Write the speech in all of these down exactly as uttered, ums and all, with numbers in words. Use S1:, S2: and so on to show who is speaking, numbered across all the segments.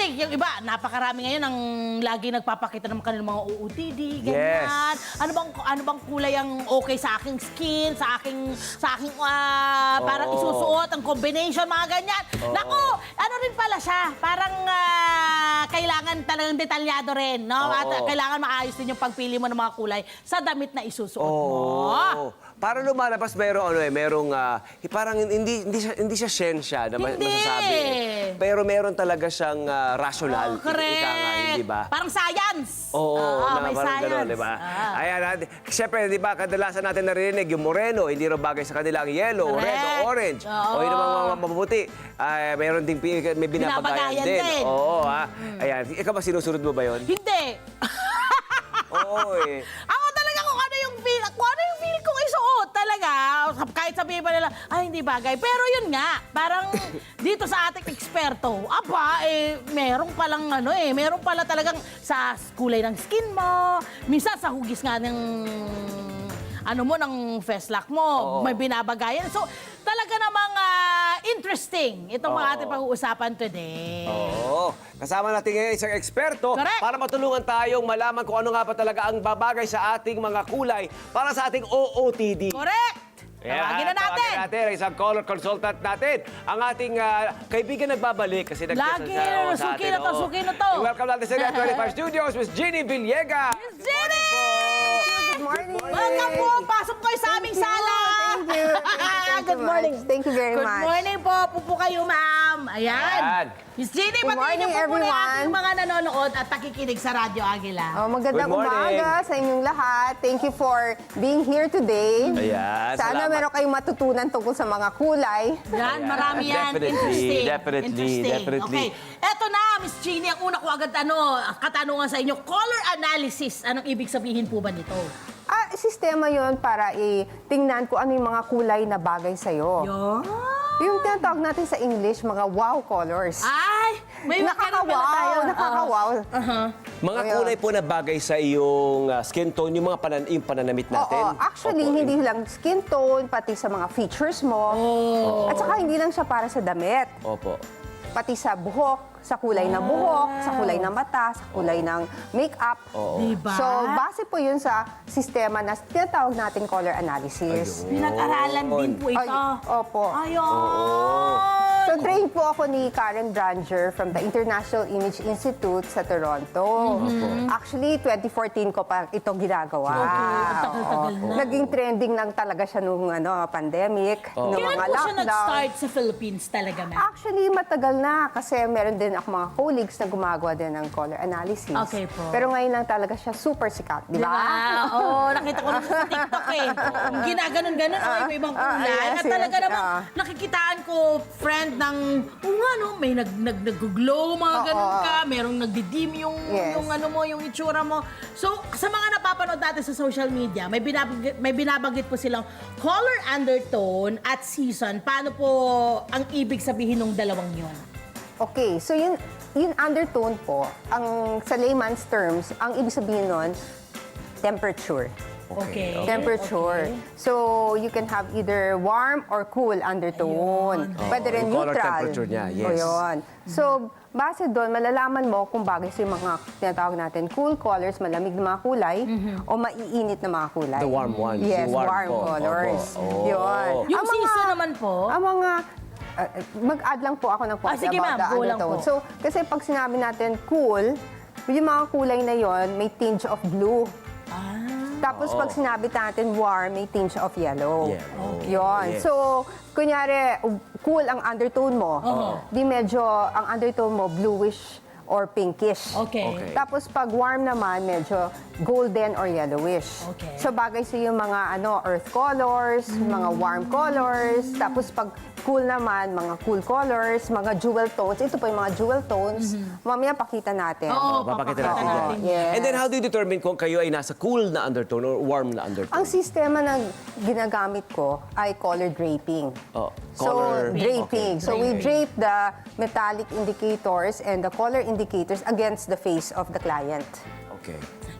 S1: Kasi yung iba, napakarami ngayon ang lagi nagpapakita ng kanilang mga O O T D, ganyan.
S2: Yes.
S1: Ano bang ano bang kulay ang okay sa aking skin, sa aking sa aking ah, parang
S2: Oo.
S1: isusuot, ang combination, mga ganyan. Naku, ano rin pala siya, parang ah, kailangan talagang detalyado rin, no?
S2: Oo.
S1: At ah, kailangan maayos din yung pagpili mo ng mga kulay sa damit na isusuot mo.
S2: Oo. Para lumalabas merong ano eh, merong ah, parang hindi hindi siya hindi siya siyensya na ma-
S1: Hindi.
S2: masasabi. eh. Pero meron talaga siyang ah, rational.
S1: Oh, correct.
S2: Ika nga, hindi ba?
S1: Parang science.
S2: Oo,
S1: Ah,
S2: na
S1: may
S2: parang
S1: science.
S2: gano'n, di ba?
S1: Ah.
S2: Ayan, at, siyempre, di ba, kadalasan natin narinig yung moreno, hindi rin bagay sa kanila ang yellow,
S1: Correct.
S2: red, o orange.
S1: Oo.
S2: O yung mga mga mapuputi, ay, mayroon ding pi- may binabagayan
S1: Binabagayan
S2: din.
S1: din.
S2: Oo, ha? Ayan, ikaw ba sinusunod mo ba yun?
S1: Hindi.
S2: Oo, eh.
S1: Ako talaga kung ano yung feel, kung ano yung feel kong isuot talaga. Kahit sabihin pa nila, ay hindi bagay. Pero yun nga, parang dito sa ating eksperto, aba, eh, meron palang ano eh, meron pala talagang sa kulay ng skin mo, minsan sa hugis nga ng ano mo, ng festlock mo,
S2: Oo.
S1: may binabagayan. So, talaga namang ah, interesting itong mga
S2: Oo.
S1: ating pag-uusapan today.
S2: Oo. Kasama natin ngayon isang eksperto
S1: Correct.
S2: para matulungan tayong malaman kung ano nga pa talaga ang babagay sa ating mga kulay para sa ating O O T D.
S1: Correct! Tawagin na natin!
S2: Tawagin natin ang isang color consultant natin. Ang ating ah, kaibigan nagbabalik kasi nag-guest
S1: Lagi,
S2: sa, oh, sa
S1: suki
S2: atin.
S1: na to,
S2: oo.
S1: suki na to.
S2: Welcome natin sa Net twenty-five Studios, Miss Jeannie Villegas.
S1: Miss Jenny!
S3: Good morning.
S1: Welcome po! Pasok kayo sa aming sala!
S3: Thank you. Thank you
S1: Good morning.
S3: much. Thank you very
S1: Good
S3: much.
S1: morning po. Pupo kayo, ma'am. Ayan.
S2: Ayan.
S1: Miss Jenny,
S3: Good
S1: patuloy niyo
S3: morning,
S1: po muna yung
S3: everyone.
S1: ating mga nanonood at nakikinig sa Radyo Agila.
S3: Oh, magandang
S2: Good morning.
S3: umaga sa inyong lahat. Thank you for being here today.
S2: Ayan,
S3: Sana
S2: salamat.
S3: meron kayong matutunan tungkol sa mga kulay.
S1: Yan, marami yan.
S2: Definitely,
S1: Interesting.
S2: definitely,
S1: Interesting.
S2: definitely.
S1: Okay. Eto na, Miss Jenny, ang una ko agad ano, katanungan sa inyo, color analysis. Anong ibig sabihin po ba nito?
S3: Ah, sistema yon para i-tingnan kung ano yung mga kulay na bagay sa'yo.
S1: Yun.
S3: Yung tinatawag natin sa English, mga wow colors.
S1: Ay, may mga ganun pala tayo.
S3: Nakaka-wow, nakaka-wow.
S1: Uh-huh.
S2: Mga
S3: Ayan.
S2: kulay po na bagay sa iyong ah, skin tone, yung mga panan yung pananamit natin.
S3: Oo, actually,
S2: Opo,
S3: hindi lang skin tone, pati sa mga features mo.
S1: Oh.
S3: At saka hindi lang siya para sa damit.
S2: Opo.
S3: Pati sa buhok, sa kulay ng buhok, sa kulay ng mata, sa kulay ng makeup.
S2: Oo.
S1: Diba?
S3: So, base po yun sa sistema na tinatawag natin color analysis.
S1: Pinag-aralan din po ito.
S3: Ay, opo.
S1: Ayun.
S3: So, trained po ako ni Karen Branger from the International Image Institute sa Toronto. Actually, twenty fourteen ko pa ito ginagawa.
S1: Okay, ang tagal-tagal
S3: Oo.
S1: na.
S3: Naging trending lang talaga siya nung ano, pandemic, nung
S1: Kailan
S3: mga
S1: po siya
S3: lockdown.
S1: nag-start sa Philippines talaga, ma'am?
S3: Actually, matagal na kasi meron din ako mga colleagues na gumagawa din ng color analysis.
S1: Okay po.
S3: Pero ngayon lang talaga siya super sikat, di ba?
S1: Diba? Oo, nakita ko na sa TikTok eh. Ginaganon-ganon, oh, iba-ibang
S3: Ah,
S1: kulay.
S3: yes,
S1: At talaga
S3: yes.
S1: namang
S3: Ah.
S1: nakikitaan ko, friend, ng, oo nga no, may nag, nag, nag-glow, mga
S3: Oo,
S1: ganun
S3: oo.
S1: ka, merong nagdidim yung,
S3: Yes.
S1: yung ano mo, yung itsura mo. So, sa mga napapanood natin sa social media, may binabagit, may binabanggit po silang color undertone at season. Paano po ang ibig sabihin ng dalawang yun?
S3: Okay, so yun, yung undertone po, ang sa layman's terms, ang ibig sabihin nun, temperature.
S1: Okay.
S3: Temperature.
S1: Okay.
S3: So, you can have either warm or cool undertone.
S1: Ayun.
S3: Pwede
S2: Oo,
S3: rin
S2: yung color
S3: neutral.
S2: temperature niya, yes.
S3: O yun. So, base doon, malalaman mo kung bagay sa mga tinatawag natin cool colors, malamig na mga kulay, o maiinit na mga kulay.
S2: The warm ones,
S3: Yes,
S2: yung warm
S3: warm,
S2: po.
S3: colors.
S2: Opo. Oh.
S3: Yun.
S1: Yung
S3: Ang mga-
S1: season naman po?
S3: Ang mga uh, mag-add lang po ako ng konti
S1: Ah, sige,
S3: about
S1: ma'am,
S3: the
S1: go lang
S3: undertone.
S1: po.
S3: So, kasi pag sinabi natin cool, yung mga kulay na yon may tinge of blue.
S1: Ah.
S3: Tapos pag sinabi natin warm, may tinge of yellow.
S2: Yellow.
S3: Yun.
S2: Yes.
S3: So, kunyari, cool ang undertone mo. Di medyo, ang undertone mo, bluish or pinkish.
S1: Okay.
S2: Okay.
S3: Tapos pag warm naman, medyo golden or yellowish.
S1: Okay.
S3: So bagay sa yung mga ano earth colors, mga warm colors. Tapos pag cool naman, mga cool colors, mga jewel tones. Ito po yung mga jewel tones. Mamaya pakita natin.
S1: Oo,
S2: Papakita
S1: papakita
S2: natin yan.
S1: natin.
S3: Yes.
S2: And then how do you determine kung kayo ay nasa cool na undertone or warm na undertone?
S3: Ang sistema na ginagamit ko ay color draping.
S2: Oh,
S3: So,
S2: color-
S3: draping.
S2: okay.
S3: So, we drape the metallic indicators and the color indicators against the face of the client.
S2: Okay.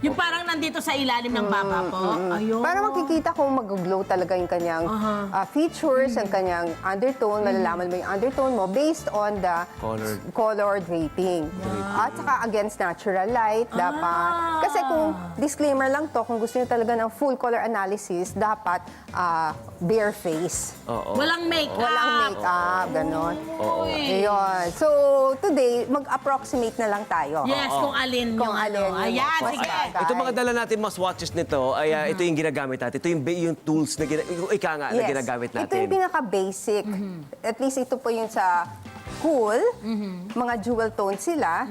S1: Yung parang nandito sa ilalim ng baba po. Ayun.
S3: Para makikita kung mag-glow talaga yung kanyang ah, features, ang kanyang undertone, malalaman mo yung undertone mo based on the
S2: Colored.
S3: color draping. At saka against natural light, dapat.
S1: Ah.
S3: Kasi kung disclaimer lang to, kung gusto niyo talaga ng full color analysis, dapat ah, bare face.
S2: Oo.
S1: Walang makeup.
S3: Walang makeup, ganon.
S1: Uy.
S3: Ayun. So, today, mag-approximate na lang tayo.
S1: Yes, kung alin
S3: Kung
S1: yung
S3: alin
S1: ano.
S3: yung
S1: Ayan,
S3: mas
S1: sige.
S3: bagay.
S2: Ito mga dala natin mga swatches nito, ay ah, ito yung ginagamit natin. Ito yung, ba- yung tools na, gina- ika nga, na ginagamit natin.
S3: Ito yung pinaka-basic. At least ito po yung sa cool. Mga jewel tones sila.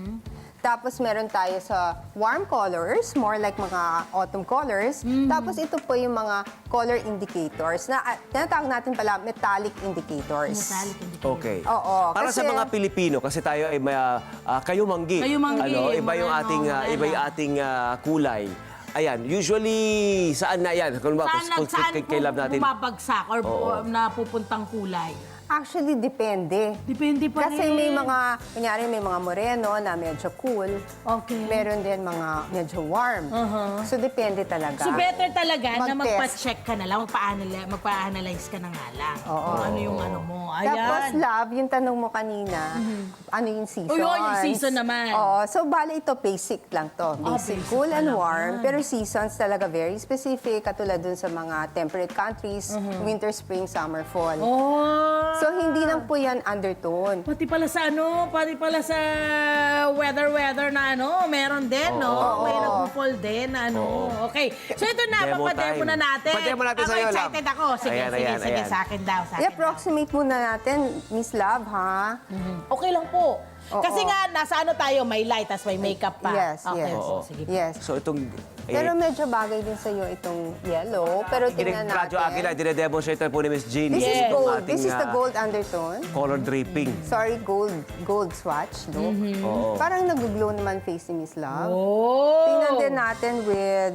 S3: Tapos meron tayo sa warm colors, more like mga autumn colors. Tapos ito po yung mga color indicators na uh, tinatawag natin pala metallic indicators.
S1: Metallic indicator.
S2: Okay.
S3: Oo,
S2: Para sa
S3: kasi-
S2: mga Pilipino, kasi tayo ay may ah, ah, kayumanggi.
S1: Kayumanggi,
S2: Ano, iba yung
S1: moreno,
S2: ating, ah, iba yung
S1: morena.
S2: ating ah, kulay. Ayan, usually, saan na yan? Kung ba,
S1: Saan,
S2: kung,
S1: nag- saan
S2: kay, kay love natin.
S1: bumabagsak or
S2: Oo.
S1: or napupuntang kulay?
S3: Actually, depende.
S1: Depende pa
S3: Kasi
S1: rin.
S3: may mga, kunyari may mga moreno na medyo cool.
S1: Okay.
S3: Meron din mga medyo warm. So, depende talaga.
S1: So better talaga na
S3: Mag-test.
S1: magpa-check ka na lang, magpa-analyze, magpa-analyze ka na nga lang.
S3: Oo.
S1: Kung ano yung ano mo. Ayan.
S3: Tapos, love, yung tanong mo kanina, ano yung season?
S1: Oh, yun, yung season naman.
S3: Oo, so bali ito, basic lang to. Basic,
S1: basic
S3: cool
S1: pa
S3: and
S1: lang
S3: warm.
S1: yan.
S3: Pero seasons talaga very specific, katulad dun sa mga temperate countries, winter, spring, summer, fall.
S1: Oh.
S3: So, hindi lang po yan undertone.
S1: Pati pala sa ano, pati pala sa weather-weather na ano, meron din, no? May nagpo-fall din na ano. Okay. So ito na,
S2: Demo
S1: papademo
S2: time.
S1: na natin.
S2: Pademo natin
S1: ako
S2: sa'yo, Love.
S1: excited ako. Sige,
S2: Ayan,
S1: sige,
S2: ayan,
S1: sige,
S2: ayan.
S1: sa akin daw, sa akin daw.
S3: I-approximate muna natin, Miss Love, ha?
S1: Okay lang po.
S3: Oo.
S1: Kasi nga, nasa ano tayo, may light, tas may makeup pa.
S3: Yes,
S1: okay,
S3: yes.
S1: so, sige.
S3: Yes.
S2: So itong... Eh,
S3: Pero medyo bagay din sa'yo itong yellow. Pero tingnan
S2: Radyo akin na,
S3: natin.
S2: dinedemonstrate po ni Miss Jeannie.
S3: This is
S1: Yes.
S3: gold.
S2: Ating,
S3: This is the
S2: ah,
S3: gold undertone.
S2: color draping.
S3: Sorry, gold gold swatch look.
S2: Oo.
S3: Parang nag-glow naman face ni Miss Love.
S1: Oh!
S3: Tingnan din natin with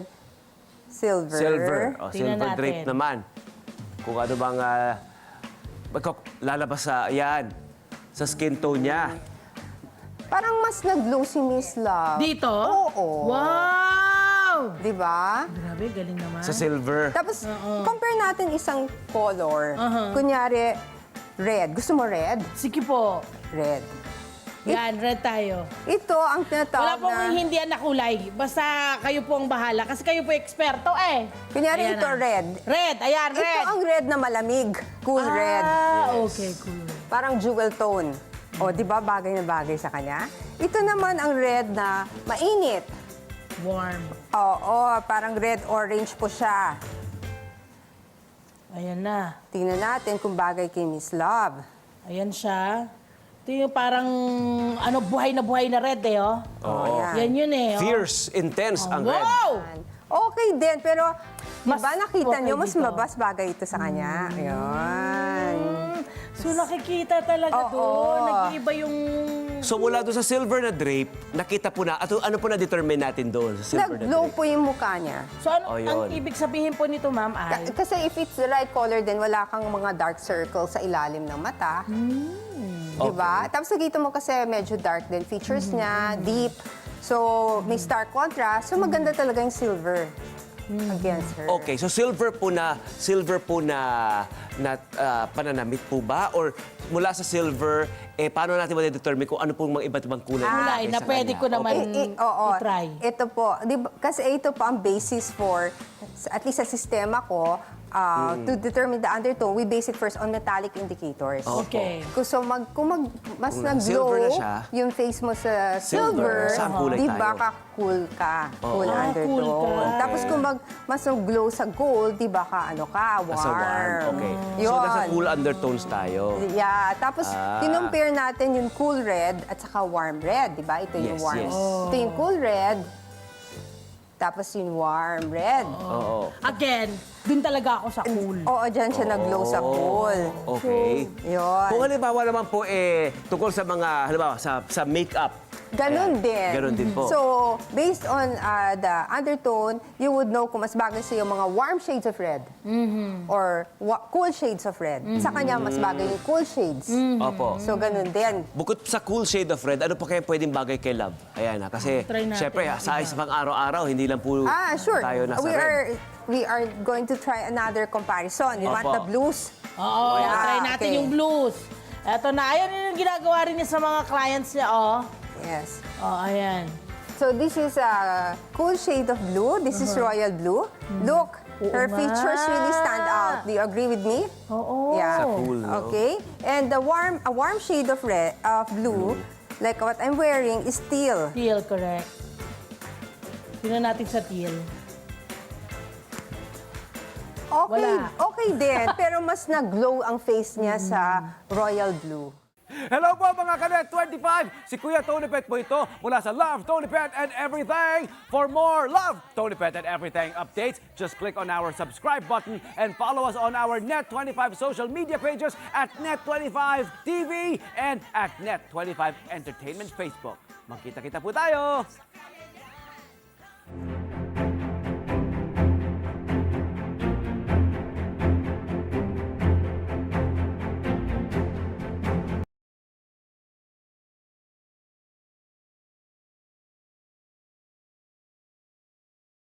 S3: silver.
S2: Silver. O,
S1: Tingnan
S2: silver
S1: natin.
S2: drape naman. Kung ano bang ah, magko- lalabas sa, yan, sa skin tone niya.
S3: Parang mas nag-glow si Miss Love.
S1: Dito?
S3: Oo.
S1: Wow!
S3: Di ba?
S1: Grabe, galing naman.
S2: Sa silver.
S3: Tapos, compare natin isang color. Kunyari, red. Gusto mo red?
S1: Sige po.
S3: Red.
S1: Yan, red tayo.
S3: Ito ang
S1: Wala
S3: tinatawag
S1: pong
S3: na...
S1: hindi na kulay. Basta kayo po ang bahala. Kasi kayo po eksperto eh.
S3: Kunyari
S1: Ayan
S3: ito,
S1: na.
S3: red.
S1: Red, ayan, red.
S3: Ito ang red na malamig. Cool red.
S1: Ah, okay, cool.
S3: Parang jewel tone. O, di ba bagay na bagay sa kanya? Ito naman ang red na mainit.
S1: Warm.
S3: Oo, parang red-orange po siya.
S1: Ayan na.
S3: Tingnan natin kung bagay kay Miss Love.
S1: Ayan siya. Ito yung parang, ano, buhay na buhay na red eh, oh.
S2: Oo.
S3: yan.
S1: Yan yun eh, oh.
S2: Fierce, intense ang red.
S1: Wow!
S3: Okay din, pero di
S1: Mas
S3: ba nakita
S1: okay
S3: nyo, mas
S1: dito.
S3: mabas bagay ito sa kanya. Ayan.
S1: Mm, So nakikita talaga
S3: Oo.
S1: doon. Nag-iiba yung...
S2: So mula doon sa silver na drape, nakita po na, at ano po na-determine natin doon sa silver na
S3: Nag-glow
S2: drape?
S3: po yung mukha niya.
S1: So ano,
S2: Oh,
S1: ang
S2: yun.
S1: ibig sabihin po nito, ma'am,
S3: Ka-
S1: ay...
S3: Kasi if it's the right color, then wala kang mga dark circles sa ilalim ng mata. Di ba? Tapos nakita mo kasi medyo dark din. Features niya, deep. So, may stark contrast. So, maganda talaga yung silver against her.
S2: Okay, so silver po na silver po na na ah, pananamit po ba or mula sa silver eh paano natin ma-determine kung ano pong mga iba't ibang kulay
S1: Kulay
S2: nilagay
S1: na
S2: sa
S1: pwede
S2: kanya?
S1: ko naman
S3: I- i- oo.
S1: i-try.
S3: Ito po, di ba, kasi ito po ang basis for, at least sa sistema ko, uh, to determine the undertone, we base it first on metallic indicators.
S1: Okay.
S3: Kung so mag, kung mag, mas
S2: Kung
S3: nag-glow
S2: silver na siya,
S3: yung face mo sa
S2: silver,
S3: silver,
S2: saan kulay
S3: di
S2: tayo?
S3: ba ka cool ka? Cool
S1: Ah,
S3: undertone.
S1: cool ka.
S3: Tapos kung mag, mas nag-glow sa gold, di ba ka ano ka? Warm.
S2: Nasa warm. Okay. So
S3: Yun.
S2: nasa cool undertones tayo.
S3: Yeah, tapos
S2: Ah.
S3: kinumpare natin yung cool red at saka warm red, di ba? Ito yung
S2: Yes,
S3: warm.
S2: yes.
S3: Ito yung cool red, tapos yung warm red.
S2: Oo.
S1: Again, dun talaga ako sa cool.
S3: Oo, dyan siya nag-glow sa cool.
S2: Okay.
S3: Yun.
S2: Kung halimbawa naman po eh tungkol sa mga halimbawa sa sa makeup,
S3: Ganon
S2: Ayan.
S3: din.
S2: Ganon din po.
S3: So, based on uh, the undertone, you would know kung mas bagay sa'yo mga warm shades of red or wa- cool shades of red. Sa kanya, mas bagay yung cool shades.
S2: Opo.
S3: So, ganon din.
S2: Bukod sa cool shade of red, ano pa kaya pwedeng bagay kay Love? Ayan na, kasi
S1: Try natin
S2: syempre,
S1: yung
S2: sa
S1: iba.
S2: isang araw-araw, hindi lang po
S3: Ah, sure.
S2: tayo nasa
S3: We
S2: red.
S3: are we are going to try another comparison. You want
S2: Opo.
S3: the blues?
S1: Oo,
S3: Yeah,
S1: try natin
S3: okay.
S1: yung blues. Eto na, ayan yung ginagawa rin niya sa mga clients niya, oh.
S3: Yes.
S1: Oh, ayan.
S3: So this is a cool shade of blue. This is royal blue. Look,
S1: Oo
S3: her
S1: nga.
S3: features really stand out. Do you agree with me?
S1: Oo.
S3: Yeah.
S2: Sa cool, no?
S3: Okay. And the warm, a warm shade of red, of blue, like what I'm wearing, is teal.
S1: Teal, correct. Tingnan natin sa teal.
S3: Okay,
S1: Wala.
S3: okay din. Pero mas nag-glow ang face niya sa royal blue.
S4: Hello po mga Kanet twenty-five! Si Kuya Tony Pet po ito mula sa Love, Tony Pet and Everything. For more Love, Tony Pet and Everything updates, just click on our subscribe button and follow us on our Net twenty-five social media pages at Net twenty-five T V and at Net twenty-five Entertainment Facebook. Magkita-kita po tayo!